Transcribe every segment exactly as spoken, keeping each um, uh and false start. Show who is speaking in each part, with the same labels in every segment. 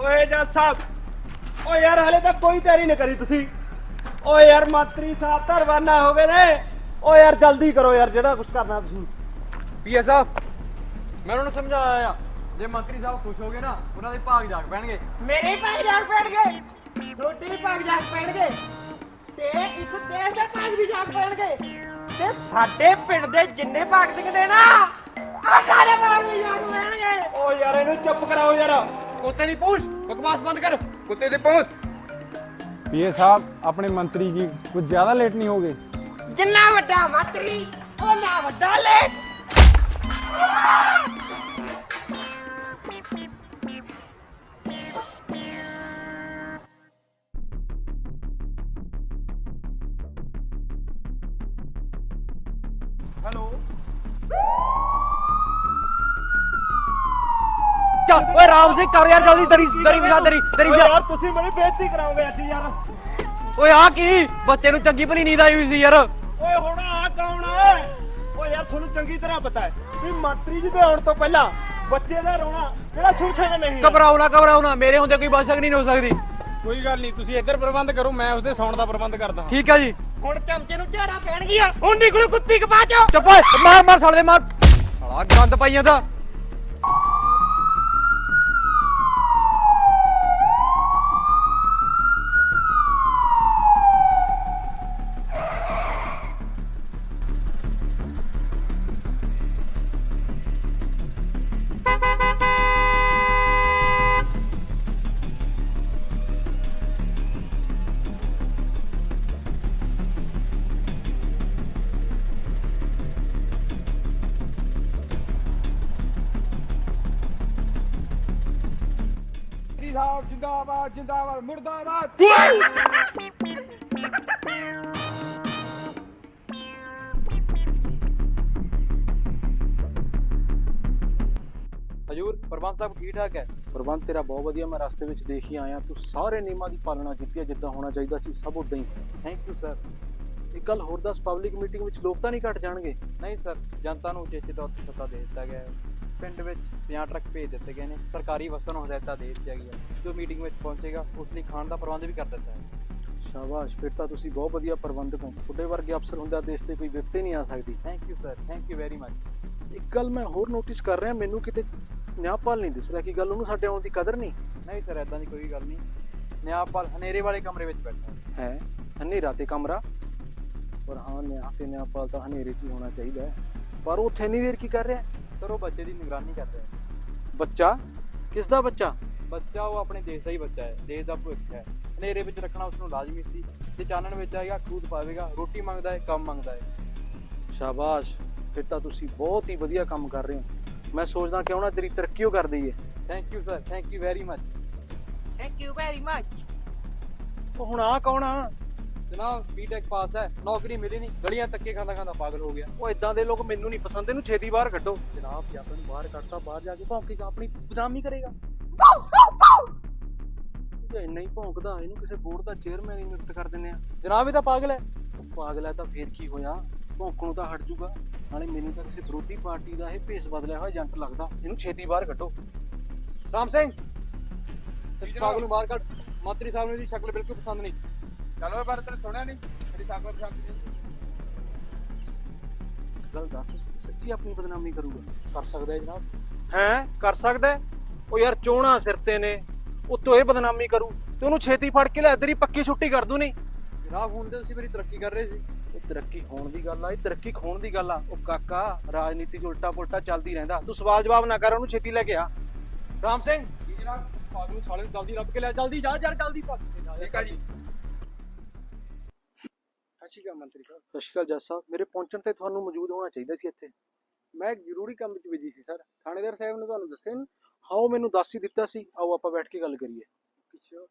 Speaker 1: ਓਏ ਜੱਜ ਸਾਹਿਬ ਓ ਯਾਰ ਹਲੇ ਤੱਕ ਕੋਈ ਤਿਆਰੀ ਨਹੀਂ ਕਰੀ ਤੁਸੀਂ। ਓ ਯਾਰ ਮੰਤਰੀ ਸਾਹਿਬ ਤਾਂ ਰਵਾਨਾ ਹੋ ਗਏ ਨੇ। ਓ ਯਾਰ ਜਲਦੀ ਕਰੋ ਯਾਰ ਜਿਹੜਾ ਕੁਝ ਕਰਨਾ ਤੁਸੀਂ।
Speaker 2: ਪੀਏ ਸਾਹਿਬ ਮੈਂ ਉਹਨਾਂ ਨੂੰ ਸਮਝਾਇਆ ਆ ਜੇ ਮੰਤਰੀ ਸਾਹਿਬ ਖੁਸ਼ ਹੋ ਗਏ ਨਾ ਉਹਨਾਂ ਦੇ ਭਾਗ ਜਾਗ ਪੈਣਗੇ।
Speaker 1: ਮੇਰੇ ਭਾਗ ਜਾਗ ਪੈਣਗੇ, ਛੋਟੇ ਭਾਗ ਜਾਗ ਪੈਣਗੇ ਤੇ ਇਸ ਦੇਸ਼ ਦੇ ਭਾਗ ਵੀ ਜਾਗ ਪੈਣਗੇ ਤੇ ਸਾਡੇ ਪਿੰਡ ਦੇ ਜਿੰਨੇ ਭਾਗ ਸਿੱਖਦੇ ਨਾ ਆਟਾ ਦੇ ਭਾਗ ਵੀ ਜਾਗ ਪੈਣਗੇ। ਓ ਯਾਰ ਇਹਨੂੰ ਚੁੱਪ ਕਰਾਓ ਯਾਰ।
Speaker 2: ਕੁੱਤੇ ਦੀ ਪੂਛ ਬਕਵਾਸ ਬੰਦ ਕਰ ਕੁੱਤੇ ਦੀ ਪੂਛ।
Speaker 3: ਪੀਏ ਸਾਹਿਬ ਆਪਣੇ ਮੰਤਰੀ ਜੀ ਕੁਝ ਜ਼ਿਆਦਾ ਲੇਟ ਨਹੀਂ ਹੋ ਗਏ?
Speaker 1: ਜਿੰਨਾ ਵੱਡਾ ਮੰਤਰੀ ਉਹਨਾਂ ਵੱਡਾ ਲੇਟ। ਹੈਲੋ
Speaker 2: ਚੱਲ ਓਏ ਰਾਮ ਸਿੰਘ ਕਰ ਯਾਰ ਜਲਦੀ ਦਰੀ ਦਰੀ ਵਿਛਾ ਦਰੀ ਦਰੀ
Speaker 1: ਓਏ
Speaker 2: ਵਿਛਾ।
Speaker 1: ਯਾਰ ਤੁਸੀਂ ਮੇਰੀ ਬੇਇੱਜ਼ਤੀ ਕਰਾਓਗੇ ਅੱਜ ਯਾਰ।
Speaker 2: ਓਏ ਆ ਕੀ ਬੱਚੇ ਨੂੰ ਚੰਗੀ ਭਲੀ ਨੀਂਦ ਆਈ ਹੋਈ ਸੀ ਯਾਰ।
Speaker 1: ਓਏ ਹੁਣ ਆ ਕੌਣ ਹੈ? ਓਏ ਯਾਰ ਤੁਹਾਨੂੰ ਚੰਗੀ ਤਰ੍ਹਾਂ ਪਤਾ ਹੈ ਵੀ ਮੰਤਰੀ ਜੀ ਦੇ ਆਉਣ ਤੋਂ ਪਹਿਲਾਂ ਬੱਚੇ ਦਾ ਰੋਣਾ ਜਿਹੜਾ ਸੁਣ ਸਕਦਾ ਨਹੀਂ।
Speaker 2: ਘਬਰਾਓ ਨਾ ਘਬਰਾਓ ਨਾ ਮੇਰੇ ਹੁੰਦੇ ਕੋਈ ਬਚਕ ਨਹੀਂ ਹੋ ਸਕਦੀ।
Speaker 3: ਕੋਈ ਗੱਲ ਨਹੀਂ, ਤੁਸੀਂ ਇੱਧਰ ਪ੍ਰਬੰਧ ਕਰੋ, ਮੈਂ ਉਸਦੇ ਸੌਣ ਦਾ ਪ੍ਰਬੰਧ ਕਰਦਾ।
Speaker 2: ਠੀਕ ਆ ਜੀ।
Speaker 1: ਹੁਣ ਚਮਚੇ ਨੂੰ ਝਾੜਾ ਪੈਣਗੀਆਂ। ਹੁਣ ਨਿਕਲੂ ਕੁੱਤੀ ਕਪਾ ਚੋ।
Speaker 2: ਚੁੱਪ ਓਏ ਮਾਰ ਮਾਰ ਸਾਲੇ ਮਾਰ ਸਾਲਾ ਗੰਦ ਪਾਈ ਜਾਂਦਾ।
Speaker 3: ਸਾਹਿਬ ਜਿੰਦਾਬਾਦ ਜਿੰਦਾਬਾਦ ਮੁਰਦਾਬਾਦ।
Speaker 2: ਹਜੂਰ ਪ੍ਰਬੰਧ ਸਾਹਿਬ ਠੀਕ ਠਾਕ ਹੈ?
Speaker 4: ਪ੍ਰਬੰਧ ਤੇਰਾ ਬਹੁਤ ਵਧੀਆ, ਮੈਂ ਰਸਤੇ ਵਿੱਚ ਦੇਖ ਹੀ ਆਇਆ। ਤੂੰ ਸਾਰੇ ਨਿਯਮਾਂ ਦੀ ਪਾਲਣਾ ਕੀਤੀ ਹੈ, ਜਿੱਦਾਂ ਹੋਣਾ ਚਾਹੀਦਾ ਸੀ ਸਭ ਉਦਾਂ ਹੀ।
Speaker 2: Thank you sir.
Speaker 4: ਇੱਕ ਗੱਲ ਹੋਰ ਦੱਸ, ਪਬਲਿਕ ਮੀਟਿੰਗ ਵਿੱਚ ਲੋਕ ਤਾਂ ਨਹੀਂ ਘਟ ਜਾਣਗੇ?
Speaker 2: ਨਹੀਂ ਸਰ, ਜਨਤਾ ਨੂੰ ਉਚੇਚੇ ਤੌਰ ਤੇ ਸੱਦਾ ਦੇ ਦਿੱਤਾ ਗਿਆ ਹੈ। ਪਿੰਡ ਵਿੱਚ ਪੰਜਾਹ ਟਰੱਕ ਭੇਜ ਦਿੱਤੇ ਗਏ ਨੇ। ਸਰਕਾਰੀ ਬੱਸਾਂ ਨੂੰ ਹਦਾਇਤਾਂ ਦੇ ਦਿੱਤੀਆਂ ਗਈਆਂ ਜੋ ਮੀਟਿੰਗ ਵਿੱਚ ਪਹੁੰਚੇਗਾ ਉਸ ਲਈ ਖਾਣ ਦਾ ਪ੍ਰਬੰਧ ਵੀ ਕਰ ਦਿੱਤਾ ਹੈ।
Speaker 4: ਸ਼ਾਬਾਸ਼, ਫਿਰ ਤਾਂ ਤੁਸੀਂ ਬਹੁਤ ਵਧੀਆ ਪ੍ਰਬੰਧਕ ਹੋ। ਤੁਹਾਡੇ ਵਰਗੇ ਅਫਸਰ ਹੁੰਦੇ ਦੇਸ਼ ਤੇ ਕੋਈ ਵਿਪਤੇ ਨਹੀਂ ਆ ਸਕਦੀ।
Speaker 2: Thank you sir, thank you very much.
Speaker 4: ਇੱਕ ਗੱਲ ਮੈਂ ਹੋਰ ਨੋਟਿਸ ਕਰ ਰਿਹਾ, ਮੈਨੂੰ ਕਿਤੇ ਨਿਆਂਪਾਲ ਨਹੀਂ ਦਿਸ ਰਿਹਾ। ਕੀ ਗੱਲ, ਉਹਨੂੰ ਸਾਡੇ ਆਉਣ ਦੀ ਕਦਰ ਨਹੀਂ?
Speaker 2: ਨਹੀਂ ਸਰ, ਐਦਾਂ ਦੀ ਕੋਈ ਗੱਲ ਨਹੀਂ। ਨਿਆਂਪਾਲ ਹਨੇਰੇ ਵਾਲੇ ਕਮਰੇ ਵਿੱਚ ਬੈਠਾ
Speaker 4: ਹੈ। ਹਨੇਰਾ ਤੇ ਕਮਰਾ, ਪਰ ਹਾਂ ਨਿਆਂ ਤੇ ਨਿਆਂਪਾਲ ਤਾਂ ਹਨੇਰੇ 'ਚ ਹੀ ਹੋਣਾ ਚਾਹੀਦਾ ਹੈ। ਪਰ ਉਹ ਉੱਥੇ ਇੰਨੀ ਦੇਰ ਕੀ ਕਰ ਰਿਹਾ?
Speaker 2: ਸਰ ਉਹ ਬੱਚੇ ਦੀ ਨਿਗਰਾਨੀ ਕਰ ਰਿਹਾ ਹੈ।
Speaker 4: ਬੱਚਾ? ਕਿਸ ਦਾ ਬੱਚਾ?
Speaker 2: ਬੱਚਾ ਉਹ ਆਪਣੇ ਦੇਸ਼ ਦਾ ਹੀ ਬੱਚਾ ਹੈ, ਦੇਸ਼ ਦਾ ਭਵਿੱਖ ਹੈ। ਹਨੇਰੇ ਵਿੱਚ ਰੱਖਣਾ ਉਸ ਨੂੰ ਲਾਜ਼ਮੀ ਸੀ। ਜੇ ਚਾਨਣ ਵਿੱਚ ਆਏਗਾ ਖੂਦ ਪਾਵੇਗਾ। ਰੋਟੀ ਮੰਗਦਾ ਹੈ, ਕੰਮ ਮੰਗਦਾ ਹੈ।
Speaker 4: ਸ਼ਾਬਾਸ਼, ਫਿਰ ਤਾਂ ਤੁਸੀਂ ਬਹੁਤ ਹੀ ਵਧੀਆ ਕੰਮ ਕਰ ਰਹੇ ਹੋ। ਮੈਂ ਸੋਚਦਾ ਕਿਉਂ ਨਾ ਤੇਰੀ ਤਰੱਕੀ ਕਰ ਦਈਏ।
Speaker 2: Thank you sir, thank you very much.
Speaker 1: Thank you very much.
Speaker 4: ਉਹ ਹੁਣ ਆ ਕੌਣ ਆ?
Speaker 2: ਜਨਾਬ ਬੀਟੈਕ ਪਾਸ ਹੈ, ਨੌਕਰੀ ਮਿਲੀ ਨਹੀਂ, ਗਲੀਆਂ ਧੱਕੇ ਖਾਂਦਾ ਖਾਂਦਾ ਪਾਗਲ ਹੋ ਗਿਆ।
Speaker 4: ਉਹ ਇਦਾਂ ਦੇ ਲੋਕ ਮੈਨੂੰ ਨਹੀਂ ਪਸੰਦ, ਇਹਨੂੰ ਛੇਤੀ ਬਾਹਰ ਕੱਢੋ।
Speaker 2: ਜਨਾਬ ਜੇ ਆਪਾਂ ਨੂੰ ਬਾਹਰ ਕੱਢਤਾ, ਬਾਹਰ ਜਾ ਕੇ ਭੌਂਕੇਗਾ, ਆਪਣੀ ਬਦਨਾਮੀ ਕਰੇਗਾ।
Speaker 4: ਜੇ ਇੰਨਾ ਹੀ ਭੌਂਕਦਾ, ਇਹਨੂੰ ਕਿਸੇ ਬੋਰਡ ਦਾ ਚੇਅਰਮੈਨ ਹੀ ਨਿਯੁਕਤ ਕਰ ਦਿੰਦੇ ਆ।
Speaker 2: ਜਨਾਬ ਇਹ ਤਾਂ ਪਾਗਲ ਹੈ।
Speaker 4: ਉਹ ਪਾਗਲ ਹੈ ਤਾਂ ਫੇਰ ਕੀ ਹੋਇਆ, ਭੌਂਕਣੋਂ ਤਾਂ ਹਟ ਜੂਗਾ। ਨਾਲੇ ਮੈਨੂੰ ਤਾਂ ਕਿਸੇ ਵਿਰੋਧੀ ਪਾਰਟੀ ਦਾ ਇਹ ਭੇਸ ਬਦਲਿਆ ਹੋਇਆ ਏਜੰਟ ਲੱਗਦਾ। ਇਹਨੂੰ ਛੇਤੀ ਬਾਹਰ ਕੱਢੋ।
Speaker 2: ਰਾਮ ਸਿੰਘ ਇਸ ਪਾਗਲ ਨੂੰ ਬਾਹਰ ਕੱਢ। ਮੰਤਰੀ ਸਾਹਿਬ ਨੂੰ ਇਹਦੀ ਸ਼ਕਲ ਬਿਲਕੁਲ ਪਸੰਦ ਨਹੀਂ।
Speaker 3: ਚਲੋ ਪਰ ਤੈਨੂੰ ਸੁਣਿਆ ਨਹੀਂ, ਮੇਰੀ ਸ਼ਕਲ ਪਸੰਦ ਨਹੀਂ।
Speaker 4: ਗੱਲ ਦੱਸ, ਸੱਚੀ ਆਪਣੀ ਬਦਨਾਮੀ ਕਰੂਗਾ?
Speaker 2: ਕਰ ਸਕਦਾ ਹੈ ਜਨਾਬ।
Speaker 4: ਹੈ ਕਰ ਸਕਦਾ? ਉਹ ਯਾਰ ਚੋਣਾ ਸਿਰ ਤੇ ਨੇ, ਉੱਤੋਂ ਇਹ ਬਦਨਾਮੀ ਕਰੂ ਤੇ ਉਹਨੂੰ ਛੇਤੀ ਫੜ ਕੇ ਲੈ, ਤੇਰੀ ਪੱਕੀ ਛੁੱਟੀ ਕਰ ਦੂ। ਨਹੀਂ
Speaker 2: ਜਨਾਬ ਹੁਣ ਤੇ ਤੁਸੀਂ ਮੇਰੀ ਤਰੱਕੀ ਕਰ ਰਹੇ ਸੀ।
Speaker 4: ਇਹ ਤਰੱਕੀ ਹੋਣ ਦੀ ਗੱਲ ਆ, ਇਹ ਤਰੱਕੀ ਖੋਣ ਦੀ ਗੱਲ ਆ। ਉਹ ਕਾਕਾ, ਰਾਜਨੀਤੀ 'ਚ ਉਲਟਾ ਪੁਲਟਾ ਚੱਲਦੀ ਰਹਿੰਦਾ। ਤੂੰ ਸਵਾਲ ਜਵਾਬ ਨਾ ਕਰ, ਉਹਨੂੰ ਛੇਤੀ ਲੈ ਕੇ ਆ।
Speaker 2: ਰਾਮ ਸਿੰਘ ਜੀ ਜਨਾਬ, ਪਾਗਲ ਨੂੰ ਸਾਲੇ ਨੂੰ ਜਲਦੀ ਲੱਭ ਕੇ ਲੈ, ਜਲਦੀ ਜਾ ਯਾਰ, ਜਲਦੀ ਭੱਜ।
Speaker 3: ਠੀਕ ਆ ਜੀ। ਸਤਿ ਸ਼੍ਰੀ ਅਕਾਲ ਮੰਤਰੀ ਸਾਹਿਬ।
Speaker 4: ਸਤਿ ਸ਼੍ਰੀ ਅਕਾਲ ਜੱਜ ਸਾਹਿਬ, ਮੇਰੇ ਪਹੁੰਚਣ ਤੇ ਤੁਹਾਨੂੰ ਮੌਜੂਦ ਹੋਣਾ ਚਾਹੀਦਾ ਸੀ ਇੱਥੇ।
Speaker 3: ਮੈਂ ਇੱਕ ਜ਼ਰੂਰੀ ਕੰਮ ਵਿੱਚ ਬਿਜੀ ਸੀ ਸਰ। ਥਾਣੇਦਾਰ ਸਾਹਿਬ ਨੇ ਤੁਹਾਨੂੰ ਦੱਸਿਆ ਨਹੀਂ?
Speaker 4: ਹਾਂ, ਉਹ ਮੈਨੂੰ ਦੱਸ ਹੀ ਦਿੱਤਾ ਸੀ। ਆਓ ਆਪਾਂ ਬੈਠ ਕੇ ਗੱਲ ਕਰੀਏ।
Speaker 3: ਪਿੱਛੇ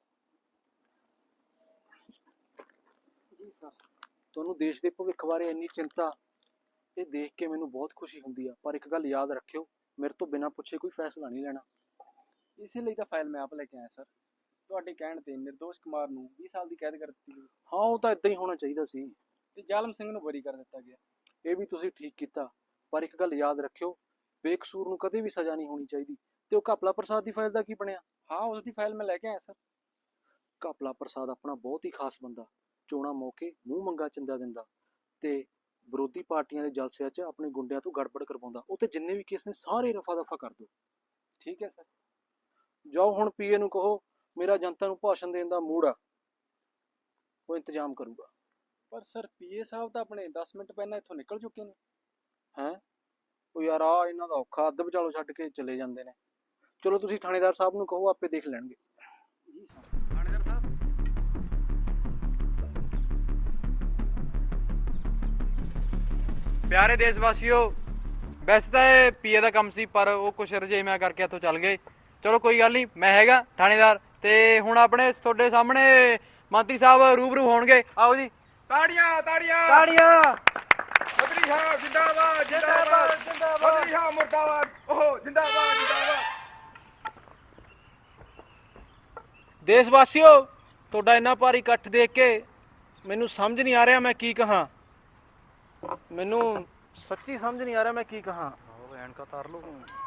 Speaker 3: ਜੀ ਸਰ।
Speaker 4: ਤੁਹਾਨੂੰ ਦੇਸ਼ ਦੇ ਭਵਿੱਖ ਬਾਰੇ ਇੰਨੀ ਚਿੰਤਾ, ਇਹ ਦੇਖ ਕੇ ਮੈਨੂੰ ਬਹੁਤ ਖੁਸ਼ੀ ਹੁੰਦੀ ਆ। ਪਰ ਇੱਕ ਗੱਲ ਯਾਦ ਰੱਖਿਓ, ਮੇਰੇ ਤੋਂ ਬਿਨਾਂ ਪੁੱਛੇ ਕੋਈ ਫੈਸਲਾ ਨਹੀਂ ਲੈਣਾ।
Speaker 3: ਇਸੇ ਲਈ ਤਾਂ ਫਾਈਲ ਮੈਂ ਆਪ ਲੈ ਕੇ ਆਇਆ ਸਰ। ਤੁਹਾਡੇ ਕਹਿਣ ਤੇ ਨਿਰਦੋਸ਼ ਕੁਮਾਰ ਨੂੰ ਵੀਹ ਸਾਲ ਦੀ ਕੈਦ ਕਰ ਦਿੱਤੀ ਗਈ
Speaker 4: ਹਾਂ, ਉਹ ਤਾਂ ਇਦਾਂ ਹੀ ਹੋਣਾ ਚਾਹੀਦਾ ਸੀ
Speaker 3: ਤੇ ਜ਼ਾਲਮ ਸਿੰਘ ਨੂੰ ਬਰੀ ਕਰ ਦਿੱਤਾ ਗਿਆ।
Speaker 4: ਇਹ ਵੀ ਤੁਸੀਂ ਠੀਕ ਕੀਤਾ। ਪਰ ਇੱਕ ਗੱਲ ਯਾਦ ਰੱਖਿਓ, ਬੇਕਸੂਰ ਨੂੰ ਕਦੇ ਵੀ ਸਜ਼ਾ ਨਹੀਂ ਹੋਣੀ ਚਾਹੀਦੀ। ਤੇ ਉਹ ਘਪਲਾ ਪ੍ਰਸਾਦ ਦੀ ਫਾਈਲ ਦਾ ਕੀ ਬਣਿਆ?
Speaker 3: ਹਾਂ ਉਸ ਦੀ ਫਾਈਲ ਮੈਂ ਲੈ ਕੇ ਆਇਆ ਸਰ।
Speaker 4: ਘਪਲਾ ਪ੍ਰਸਾਦ ਆਪਣਾ ਬਹੁਤ ਹੀ ਖਾਸ ਬੰਦਾ, ਚੋਣਾਂ ਮੌਕੇ ਮੂੰਹ ਮੰਗਾ ਚੰਦਾ ਦਿੰਦਾ ਤੇ ਵਿਰੋਧੀ ਪਾਰਟੀਆਂ ਦੇ ਜਲਸਿਆਂ 'ਚ ਆਪਣੇ ਗੁੰਡਿਆਂ ਤੋਂ ਗੜਬੜ ਕਰਵਾਉਂਦਾ। ਉਹ ਤੇ ਜਿੰਨੇ ਵੀ ਕੇਸ ਨੇ ਸਾਰੇ ਰਫਾ ਦਫਾ ਕਰ ਦਿਓ।
Speaker 3: ਠੀਕ ਹੈ ਸਰ।
Speaker 4: ਜਾਓ ਹੁਣ ਪੀਏ ਨੂੰ ਕਹੋ ਮੇਰਾ ਜਨਤਾ ਨੂੰ ਭਾਸ਼ਣ ਦੇਣ ਦਾ ਮੂਡ ਆ, ਉਹ ਇੰਤਜ਼ਾਮ ਕਰੂਗਾ।
Speaker 3: ਪਰ ਸਰ ਪੀਏ ਸਾਹਿਬ ਤਾਂ ਆਪਣੇ ਦਸ ਮਿੰਟ ਪਹਿਲਾਂ ਇੱਥੋਂ ਨਿਕਲ ਚੁੱਕੇ ਨੇ।
Speaker 4: ਹੈਂ ਉਹ ਯਾਰ ਆ ਇਹਨਾਂ ਦਾ ਔਖਾ, ਅੱਧ ਵਿਚਾਲੋ ਛੱਡ ਕੇ ਚਲੇ ਜਾਂਦੇ ਨੇ। ਚਲੋ ਤੁਸੀਂ ਥਾਣੇਦਾਰ ਸਾਹਿਬ ਨੂੰ ਕਹੋ, ਆਪੇ ਦੇਖ ਲੈਣਗੇ।
Speaker 3: ਜੀ ਸਰ। ਥਾਣੇਦਾਰ ਸਾਹਿਬ।
Speaker 2: ਪਿਆਰੇ ਦੇਸ਼ ਵਾਸੀਓ, ਵੈਸੇ ਤਾਂ ਇਹ ਪੀਏ ਦਾ ਕੰਮ ਸੀ, ਪਰ ਉਹ ਕੁਛ ਰਜੇਵਿਆਂ ਕਰਕੇ ਇੱਥੋਂ ਚੱਲ ਗਏ। ਚਲੋ ਕੋਈ ਗੱਲ ਨਹੀਂ, ਮੈਂ ਹੈਗਾ ਥਾਣੇਦਾਰ। ਤੇ ਹੁਣ ਆਪਣੇ ਤੁਹਾਡੇ ਸਾਹਮਣੇ ਮੰਤਰੀ ਸਾਹਿਬ ਰੂਬਰੂ ਹੋਣਗੇ। ਆਓ ਜੀ।
Speaker 1: ਤਾੜੀਆਂ ਤਾੜੀਆਂ
Speaker 2: ਤਾੜੀਆਂ।
Speaker 1: ਮੰਤਰੀ ਸਾਹਿਬ ਜਿੰਦਾਬਾਦ ਜਿੰਦਾਬਾਦ ਜਿੰਦਾਬਾਦ। ਮੰਤਰੀ ਸਾਹਿਬ ਮੁਰਦਾਬਾਦ। ਓਹ ਜਿੰਦਾਬਾਦ ਜਿੰਦਾਬਾਦ।
Speaker 4: ਦੇਸ਼ ਵਾਸੀਓ, ਤੁਹਾਡਾ ਇੰਨਾ ਭਾਰੀ ਇਕੱਠ ਦੇਖ ਕੇ ਮੈਨੂੰ ਸਮਝ ਨਹੀਂ ਆ ਰਿਹਾ ਮੈਂ ਕੀ ਕਹਾਂ। ਮੈਨੂੰ ਸੱਚੀ ਸਮਝ ਨਹੀਂ ਆ ਰਿਹਾ ਮੈਂ ਕੀ ਕਹਾਂ।
Speaker 2: ਐਨਕਾਂ ਤਾਰ ਲਓ।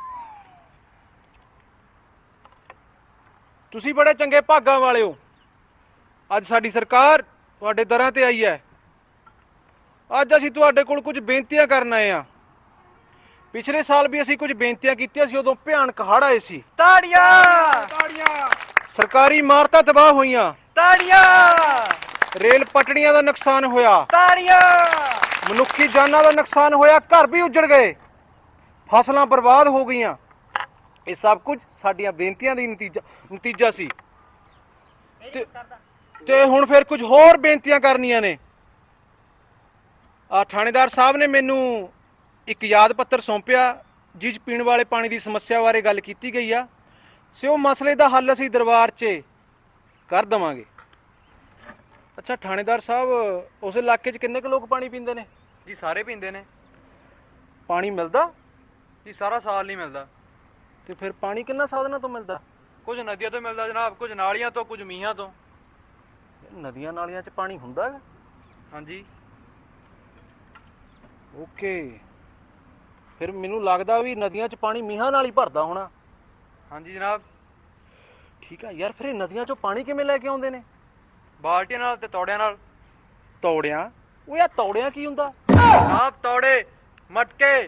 Speaker 4: ਤੁਸੀਂ ਬੜੇ ਚੰਗੇ ਭਾਗਾਂ ਵਾਲੇ ਹੋ। ਅੱਜ ਸਾਡੀ ਸਰਕਾਰ ਤੁਹਾਡੇ ਦਰਾਂ ਤੇ ਆਈ ਹੈ। ਅੱਜ ਅਸੀਂ ਤੁਹਾਡੇ ਕੋਲ ਕੁਝ ਬੇਨਤੀਆਂ ਕਰਨ ਆਏ ਹਾਂ। ਪਿਛਲੇ ਸਾਲ ਵੀ ਅਸੀਂ ਕੁਝ ਬੇਨਤੀਆਂ ਕੀਤੀਆਂ ਸੀ, ਉਦੋਂ ਭਿਆਨਕ ਹੜ੍ਹ ਆਏ ਸੀ।
Speaker 2: ਤਾੜੀਆਂ
Speaker 1: ਤਾੜੀਆਂ।
Speaker 4: ਸਰਕਾਰੀ ਇਮਾਰਤਾਂ ਤਬਾਹ ਹੋਈਆਂ।
Speaker 2: ਤਾੜੀਆਂ।
Speaker 4: ਰੇਲ ਪਟੜੀਆਂ ਦਾ ਨੁਕਸਾਨ ਹੋਇਆ।
Speaker 2: ਤਾੜੀਆਂ।
Speaker 4: ਮਨੁੱਖੀ ਜਾਨਾਂ ਦਾ ਨੁਕਸਾਨ ਹੋਇਆ। ਘਰ ਵੀ ਉੱਜੜ ਗਏ। ਫਸਲਾਂ ਬਰਬਾਦ ਹੋ ਗਈਆਂ। ਇਹ ਸਭ ਕੁਝ ਸਾਡੀਆਂ ਬੇਨਤੀਆਂ ਦੀ ਨਤੀਜਾ ਨਤੀਜਾ ਸੀ। ਤੇ ਤੇ ਹੁਣ ਫਿਰ ਕੁਝ ਹੋਰ ਬੇਨਤੀਆਂ ਕਰਨੀਆਂ ਨੇ। ਆ ਥਾਣੇਦਾਰ ਸਾਹਿਬ ਨੇ ਮੈਨੂੰ ਇੱਕ ਯਾਦ ਪੱਤਰ ਸੌਂਪਿਆ, ਜਿਸ 'ਚ ਪੀਣ ਵਾਲੇ ਪਾਣੀ ਦੀ ਸਮੱਸਿਆ ਬਾਰੇ ਗੱਲ ਕੀਤੀ ਗਈ ਆ। ਸੋ ਉਹ ਮਸਲੇ ਦਾ ਹੱਲ ਅਸੀਂ ਦਰਬਾਰ 'ਚ ਕਰ ਦੇਵਾਂਗੇ। ਅੱਛਾ ਥਾਣੇਦਾਰ ਸਾਹਿਬ, ਉਸ ਇਲਾਕੇ 'ਚ ਕਿੰਨੇ ਕੁ ਲੋਕ ਪਾਣੀ ਪੀਂਦੇ ਨੇ?
Speaker 2: ਜੀ ਸਾਰੇ ਪੀਂਦੇ ਨੇ
Speaker 4: ਪਾਣੀ ਮਿਲਦਾ?
Speaker 2: ਜੀ, ਸਾਰਾ ਸਾਲ ਨਹੀਂ ਮਿਲਦਾ।
Speaker 4: ਤੇ ਫਿਰ ਪਾਣੀ ਕਿੰਨਾ ਸਾਧਨਾਂ ਤੋਂ ਮਿਲਦਾ?
Speaker 2: ਕੁਝ ਨਦੀਆਂ ਤੋਂ ਮਿਲਦਾ ਜਨਾਬ, ਕੁਝ ਨਾਲੀਆਂ ਤੋਂ, ਕੁਝ ਮੀਂਹਾਂ ਤੋਂ।
Speaker 4: ਨਦੀਆਂ ਨਾਲੀਆਂ 'ਚ ਪਾਣੀ ਹੁੰਦਾ ਹੈ?
Speaker 2: ਹਾਂਜੀ।
Speaker 4: ਓਕੇ, ਫਿਰ ਮੈਨੂੰ ਲੱਗਦਾ ਵੀ ਨਦੀਆਂ 'ਚ ਪਾਣੀ ਮੀਂਹਾਂ ਨਾਲ ਹੀ ਭਰਦਾ ਹੋਣਾ।
Speaker 2: ਹਾਂਜੀ ਜਨਾਬ।
Speaker 4: ਠੀਕ ਆ ਯਾਰ, ਫਿਰ ਇਹ ਨਦੀਆਂ 'ਚੋਂ ਪਾਣੀ ਕਿਵੇਂ ਲੈ ਕੇ ਆਉਂਦੇ ਨੇ?
Speaker 2: ਬਾਲਟੀਆਂ ਨਾਲ ਤੇ ਤੌੜਿਆਂ ਨਾਲ।
Speaker 4: ਤੌੜਿਆਂ? ਉਹ ਯਾਰ ਤੌੜਿਆਂ ਕੀ ਹੁੰਦਾ?
Speaker 2: ਜਨਾਬ ਤੌੜੇ, ਮਟਕੇ।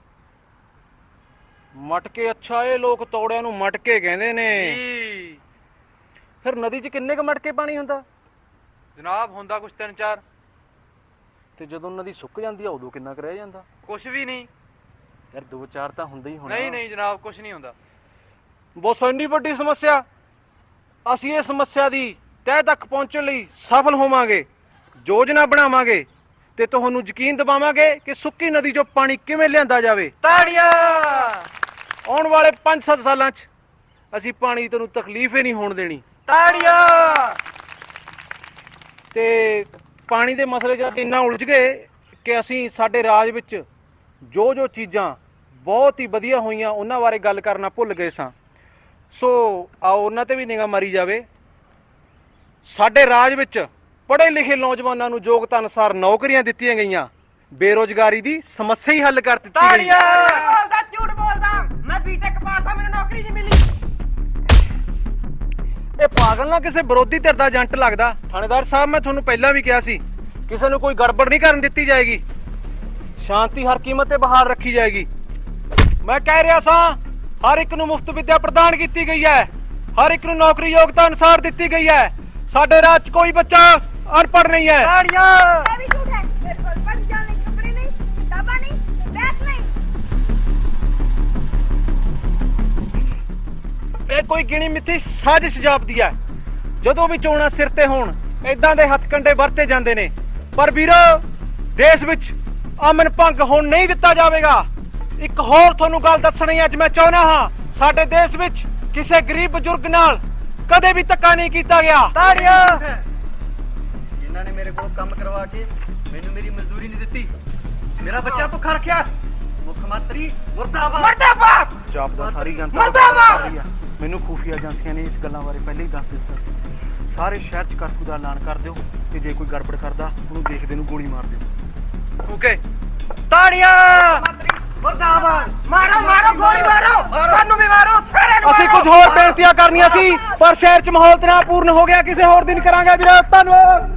Speaker 4: ਮਟਕੇ? ਅੱਛਾ, ਇਹ ਲੋਕ ਤੌੜਿਆਂ ਨੂੰ ਮਟਕੇ ਕਹਿੰਦੇ ਨੇ।
Speaker 2: ਜੀ
Speaker 4: ਫਿਰ ਨਦੀ 'ਚ ਕਿੰਨੇ ਕੁ ਮਟਕੇ ਪਾਣੀ ਹੁੰਦਾ?
Speaker 2: ਜਨਾਬ ਹੁੰਦਾ ਕੁਛ ਤਿੰਨ ਚਾਰ।
Speaker 4: ਤੇ ਜਦੋਂ ਨਦੀ ਸੁੱਕ ਜਾਂਦੀ ਆ ਉਦੋਂ ਕਿੰਨਾ ਕੁ ਰਹਿ ਜਾਂਦਾ?
Speaker 2: ਕੁਛ ਵੀ ਨਹੀਂ।
Speaker 4: ਯਾਰ ਦੋ ਚਾਰ ਤਾਂ ਹੁੰਦਾ ਹੀ ਹੋਣਾ।
Speaker 2: ਨਹੀਂ ਨਹੀਂ ਜਨਾਬ, ਕੁਛ ਨਹੀਂ ਹੁੰਦਾ।
Speaker 4: ਬਹੁਤ ਇੰਨੀ ਵੱਡੀ ਸਮੱਸਿਆ, ਅਸੀਂ ਇਹ ਸਮੱਸਿਆ ਦੀ ਤਹਿ ਤੱਕ ਪਹੁੰਚਣ ਲਈ ਸਫਲ ਹੋਵਾਂਗੇ, ਯੋਜਨਾ ਬਣਾਵਾਂਗੇ ਤੇ ਤੁਹਾਨੂੰ ਯਕੀਨ ਦਿਵਾਵਾਂਗੇ ਕਿ ਸੁੱਕੀ ਨਦੀ 'ਚੋਂ ਪਾਣੀ ਕਿਵੇਂ ਲਿਆਂਦਾ ਜਾਵੇ।
Speaker 2: ਤਾੜੀਆਂ।
Speaker 4: ਆਉਣ ਵਾਲੇ ਪੰਜ ਸੱਤ ਸਾਲਾਂ 'ਚ ਅਸੀਂ ਪਾਣੀ ਦੀ ਤੁਹਾਨੂੰ ਤਕਲੀਫ ਹੀ ਨਹੀਂ ਹੋਣ ਦੇਣੀ।
Speaker 2: ਤਾੜੀਆਂ।
Speaker 4: ਤੇ ਪਾਣੀ ਦੇ ਮਸਲੇ 'ਚ ਅਸੀਂ ਇੰਨਾ ਉਲਝ ਗਏ ਕਿ ਅਸੀਂ ਸਾਡੇ ਰਾਜ ਵਿੱਚ ਜੋ ਜੋ ਚੀਜ਼ਾਂ ਬਹੁਤ ਹੀ ਵਧੀਆ ਹੋਈਆਂ ਉਹਨਾਂ ਬਾਰੇ ਗੱਲ ਕਰਨਾ ਭੁੱਲ ਗਏ ਸਾਂ। ਸੋ ਆਓ ਉਹਨਾਂ ਤੇ ਵੀ ਨਿਗਾਹ ਮਾਰੀ ਜਾਵੇ। ਸਾਡੇ ਰਾਜ ਵਿੱਚ ਪੜ੍ਹੇ ਲਿਖੇ ਨੌਜਵਾਨਾਂ ਨੂੰ ਯੋਗਤਾ ਅਨੁਸਾਰ ਨੌਕਰੀਆਂ ਦਿੱਤੀਆਂ ਗਈਆਂ। ਬੇਰੁਜ਼ਗਾਰੀ ਦੀ ਸਮੱਸਿਆ ਹੀ ਹੱਲ ਕਰ ਦਿੱਤੀ ਗਈ।
Speaker 2: ਤਾੜੀਆਂ।
Speaker 1: ਬੋਲਦਾ ਝੂਠ ਬੋਲਦਾ, ਮੈਂ ਬੀਟੈਕ ਪਾਸ ਆ, ਮੈਨੂੰ ਨੌਕਰੀ ਨਹੀਂ ਮਿਲੀ।
Speaker 4: ਇਹ ਪਾਗਲ ਨਾ ਕਿਸੇ ਵਿਰੋਧੀ ਧਿਰ ਦਾ ਏਜੰਟ ਲੱਗਦਾ। ਥਾਣੇਦਾਰ ਸਾਹਿਬ, ਮੈਂ ਤੁਹਾਨੂੰ ਪਹਿਲਾਂ ਵੀ ਕਿਹਾ ਸੀ, ਕਿਸੇ ਨੂੰ ਕੋਈ ਗੜਬੜ ਨਹੀਂ ਕਰਨ ਦਿੱਤੀ ਜਾਏਗੀ। ਸ਼ਾਂਤੀ ਹਰ ਕੀਮਤ ਤੇ ਬਹਾਲ ਰੱਖੀ ਜਾਏਗੀ। ਮੈਂ ਕਹਿ ਰਿਹਾ ਸਾਂ, ਹਰ ਇੱਕ ਨੂੰ ਮੁਫਤ ਵਿੱਦਿਆ ਪ੍ਰਦਾਨ ਕੀਤੀ ਗਈ ਹੈ। ਹਰ ਇੱਕ ਨੂੰ ਨੌਕਰੀ ਯੋਗਤਾ ਅਨੁਸਾਰ ਦਿੱਤੀ ਗਈ ਹੈ। ਸਾਡੇ ਰਾਜ 'ਚ ਕੋਈ ਬੱਚਾ ਅਨਪੜ੍ਹ ਨਹੀਂ ਹੈ।
Speaker 2: ਤਾੜੀਆਂ।
Speaker 5: ਇਹ ਵੀ ਝੂਠ ਹੈ। ਮੇਰੇ ਕੋਲ ਪੜ੍ਹਨ ਜਾਣ ਲਈ ਕੱਪੜੇ ਨਹੀਂ, ਕਿਤਾਬਾਂ ਨਹੀਂ, ਬੈਗ ਨਹੀਂ।
Speaker 4: ਇਹ ਕੋਈ ਗਿਣੀ ਮਿੱਥੀ ਸਾਜ਼ਿਸ਼ ਜਾਪਦੀ ਹੈ। ਜਦੋਂ ਵੀ ਚੋਣਾਂ ਸਿਰ ਤੇ ਹੋਣ ਇਦਾਂ ਦੇ ਹੱਥਕੰਡੇ ਵਰਤੇ ਜਾਂਦੇ ਨੇ। ਪਰ ਵੀਰੋ, ਦੇਸ਼ ਵਿੱਚ ਅਮਨ ਭੰਗ ਹੋਣ ਨਹੀਂ ਦਿੱਤਾ ਜਾਵੇਗਾ। ਇੱਕ ਹੋਰ ਤੁਹਾਨੂੰ ਗੱਲ ਦੱਸਣੀ ਅੱਜ ਮੈਂ ਚਾਹੁੰਦਾ ਹਾਂ, ਸਾਡੇ ਦੇਸ਼ ਵਿੱਚ ਕਿਸੇ ਗਰੀਬ ਬਜ਼ੁਰਗ ਨਾਲ ਕਦੇ ਵੀ ਧੱਕਾ ਨਹੀਂ ਕੀਤਾ ਗਿਆ।
Speaker 2: ਤਾੜੀਆਂ। ਜਿਨ੍ਹਾਂ ਨੇ ਮੇਰੇ ਕੋਲ ਕੰਮ ਕਰਵਾ ਕੇ ਮੈਨੂੰ ਮੇਰੀ ਮਜ਼ਦੂਰੀ ਨਹੀਂ ਦਿੱਤੀ, ਮੇਰਾ ਬੱਚਾ ਭੁੱਖਾ ਰੱਖਿਆ, ਮੁੱਖ ਮੰਤਰੀ ਮੁਰਦਾਬਾਦ।
Speaker 1: ਮੁਰਦਾਬਾਦ।
Speaker 4: ਜਾਪਦਾ ਸਾਰੀ ਜਨਤਾ
Speaker 1: ਮੁਰਦਾਬਾਦ।
Speaker 4: ਸਾਰੀ ਆ। ਮੈਨੂੰ ਖੂਫੀਆ ਏਜੰਸੀਆਂ ਨੇ ਇਸ ਗੱਲਾਂ ਬਾਰੇ ਪਹਿਲਾਂ ਹੀ ਦੱਸ ਦਿੱਤਾ ਸੀ। ਸਾਰੇ ਸ਼ਹਿਰ 'ਚ ਕਰਫਿਊ ਦਾ ਐਲਾਨ ਕਰ ਦਿਓ ਤੇ ਜੇ ਕੋਈ ਗੜਬੜ ਕਰਦਾ ਉਹਨੂੰ ਦੇਖਦੇ ਨੂੰ ਗੋਲੀ ਮਾਰ ਦਿਓ।
Speaker 2: ਓਕੇ। ਤਾੜੀਆਂ।
Speaker 1: ਮੁਰਦਾਬਾਦ। ਮਾਰੋ ਮਾਰੋ, ਗੋਲੀ ਮਾਰੋ, ਸਾਨੂੰ ਵੀ ਮਾਰੋ।
Speaker 4: ਕੁਝ ਹੋਰ ਬੇਨਤੀਆਂ ਕਰਨੀਆਂ ਸੀ ਪਰ ਸ਼ਹਿਰ 'ਚ ਮਾਹੌਲ ਤਣਾਅਪੂਰਨ ਹੋ ਗਿਆ। ਕਿਸੇ ਹੋਰ ਦਿਨ ਕਰਾਂਗੇ ਵੀਰੇ, ਧੰਨਵਾਦ।